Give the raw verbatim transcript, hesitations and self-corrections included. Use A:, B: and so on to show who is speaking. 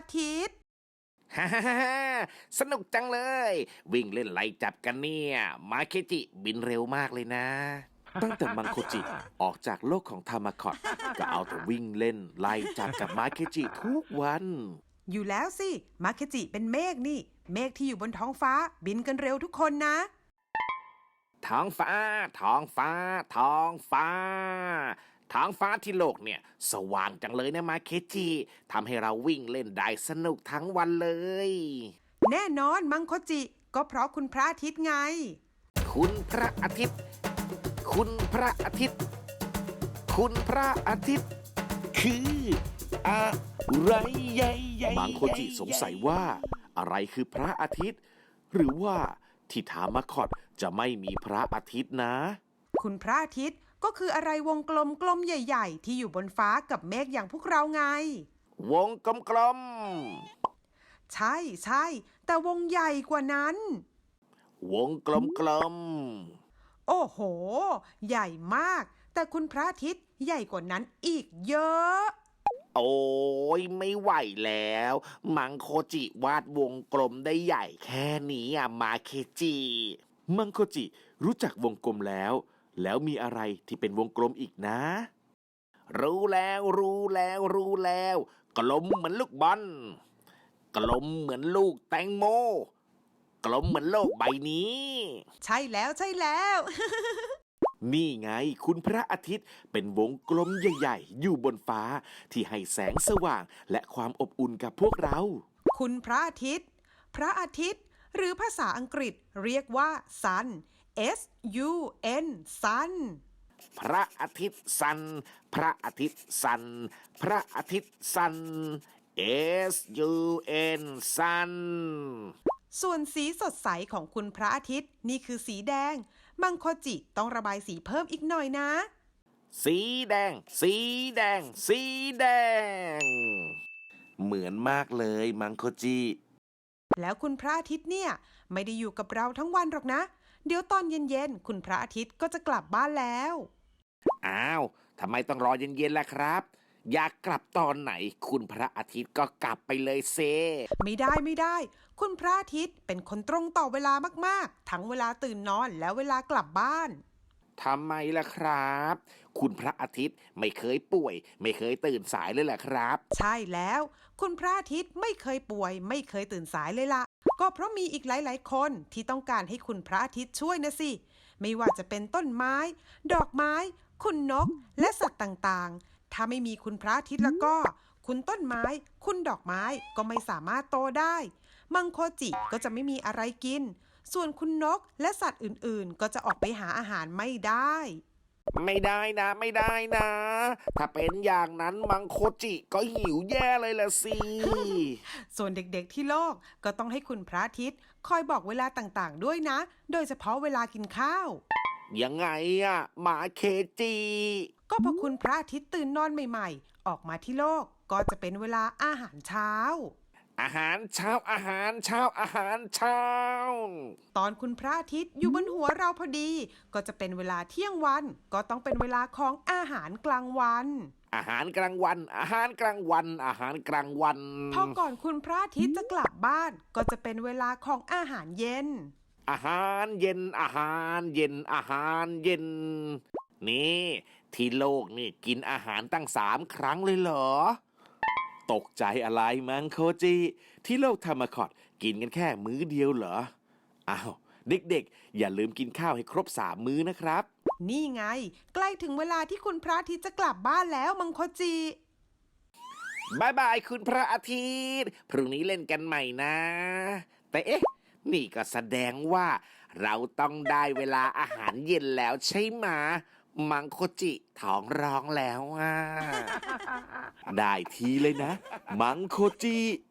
A: ทิตย์
B: ฮ่าฮ่าฮ่าสนุกจังเลย วิ่งเล่นไล่จับกันเนี่ยมาเคจิบินเร็วมากเลยนะ ตั้งแต่มังโคจิออกจากโลกของทามาคอตก็เอาแต่วิ่งเล่นไล่จับกับมาเคจิทุกวัน
A: อยู่แล้วสิมาเคจิเป็นเมฆนี่เมฆที่อยู่บนท้องฟ้าบินกันเร็วทุกคนนะ
B: ท้องฟ้าท้องฟ้าท้องฟ้าท้องฟ้าที่โลกเนี่ยสว่างจังเลยนะมาเคจิทำให้เราวิ่งเล่นได้สนุกทั้งวันเลย
A: แน่นอนมังโคจิก็เพราะคุณพระอาทิตย์ไง
B: คุณพระอาทิตย์คุณพระอาทิตย์คุณพระอาทิตย์คืออะไรใหญ่ๆมังโคจิสงสัยว่าอะไรคือพระอาทิตย์หรือว่าที่ทามาคอตจะไม่มีพระอาทิตย์นะ
A: คุณพระอาทิตย์ก็คืออะไรวงกลมกลมใหญ่ๆที่อยู่บนฟ้ากับเมฆอย่างพวกเราไง
B: วงกลม
A: ๆใช่ใช่แต่วงใหญ่กว่านั้น
B: วงกลม
A: ๆโอ้โหใหญ่มากแต่คุณพระอาทิตย์ใหญ่กว่านั้นอีกเยอะ
B: โอ้ยไม่ไหวแล้วมังโคจิวาดวงกลมได้ใหญ่แค่นี้อ่ะมาเคจิมังโคจิรู้จักวงกลมแล้วแล้วมีอะไรที่เป็นวงกลมอีกนะรู้แล้วรู้แล้วรู้แล้วกลมเหมือนลูกบอลกลมเหมือนลูกแตงโมกลมเหมือนโลกใบนี้
A: ใช่แล้วใช่แล้ว
B: นี่ไงคุณพระอาทิตย์เป็นวงกลมใหญ่ๆอยู่บนฟ้าที่ให้แสงสว่างและความอบอุ่นกับพวกเรา
A: คุณพระอาทิตย์พระอาทิตย์หรือภาษาอังกฤษเรียกว่า sun S U N sun
B: พระอาทิตย์ซันพระอาทิตย์ซันพระอาทิตย์ซัน S U N sun
A: ส่วนสีสดใสของคุณพระอาทิตย์นี่คือสีแดงมังโคจิต้องระบายสีเพิ่มอีกหน่อยนะ
B: สีแดงสีแดงสีแดงเหมือนมากเลยมังโคจิ
A: แล้วคุณพระอาทิตย์เนี่ยไม่ได้อยู่กับเราทั้งวันหรอกนะเดี๋ยวตอนเย็นๆคุณพระอาทิตย์ก็จะกลับบ้านแล้ว
B: อ้าวทำไมต้องรอเย็นๆล่ะครับอยากกลับตอนไหนคุณพระอาทิตย์ก็กลับไปเลยเซ
A: ไม่ได้ไม่ได้คุณพระอาทิตย์เป็นคนตรงต่อเวลามากๆทั้งเวลาตื่นนอนและเวลากลับบ้าน
B: ทำไมล่ะครับคุณพระอาทิตย์ไม่เคยป่วยไม่เคยตื่นสายเลยแหละครับ
A: ใช่แล้วคุณพระอาทิตย์ไม่เคยป่วยไม่เคยตื่นสายเลยล่ะก็เพราะมีอีกหลายๆคนที่ต้องการให้คุณพระอาทิตย์ช่วยนะสิไม่ว่าจะเป็นต้นไม้ดอกไม้คุณนกและสัตว์ต่างๆถ้าไม่มีคุณพระอาทิตย์แล้วก็คุณต้นไม้คุณดอกไม้ก็ไม่สามารถโตได้มังโคจิก็จะไม่มีอะไรกินส่วนคุณนกและสัตว์อื่นๆก็จะออกไปหาอาหารไม่ได้
B: ไม่ได้นะไม่ได้นะถ้าเป็นอย่างนั้นมังโคจิก็หิวแย่เลยล่ะสิ
A: ส่วนเด็กๆที่โลกก็ต้องให้คุณพระอาทิตย์คอยบอกเวลาต่างๆด้วยนะโดยเฉพาะเวลากินข้าว
B: ยังไงอะหมาเคจิ
A: ก็พอคุณพระอาทิตย์ตื่นนอนใหม่ๆออกมาที่โลกก็จะเป็นเวลาอาหารเช้า
B: อาหารเช้าอาหารเช้าอาหารเช้า
A: ตอนคุณพระอาทิตย์อยู่บนหัวเราพอดีก็จะเป็นเวลาเที่ยงวันก็ต้องเป็นเวลาของอาหารกลางวัน
B: อาหารกลางวันอาหารกลางวันอาหารกลางวัน
A: พอก่อนคุณพระอาทิตย์จะกลับบ้านก็จะเป็นเวลาของอาหารเย็น
B: อาหารเย็นอาหารเย็นอาหารเย็นนี่ที่โลกนี่กินอาหารตั้งสามครั้งเลยเหรอตกใจอะไรมังโคจิที่โลกทามาคอตกินกันแค่มื้อเดียวเหรออ้าวเด็กๆอย่าลืมกินข้าวให้ครบสามมื้อนะครับ
A: นี่ไงใกล้ถึงเวลาที่คุณพระอาทิตย์จะกลับบ้านแล้วมังโคจิ
B: บายบายคุณพระอาทิตย์พรุ่งนี้เล่นกันใหม่นะแต่เอ๊ะนี่ก็แสดงว่าเราต้องได้เวลาอาหารเย็นแล้วใช่ไหมมังโคจิท้องร้องแล้วอ่ะได้ทีเลยนะมังโคจิ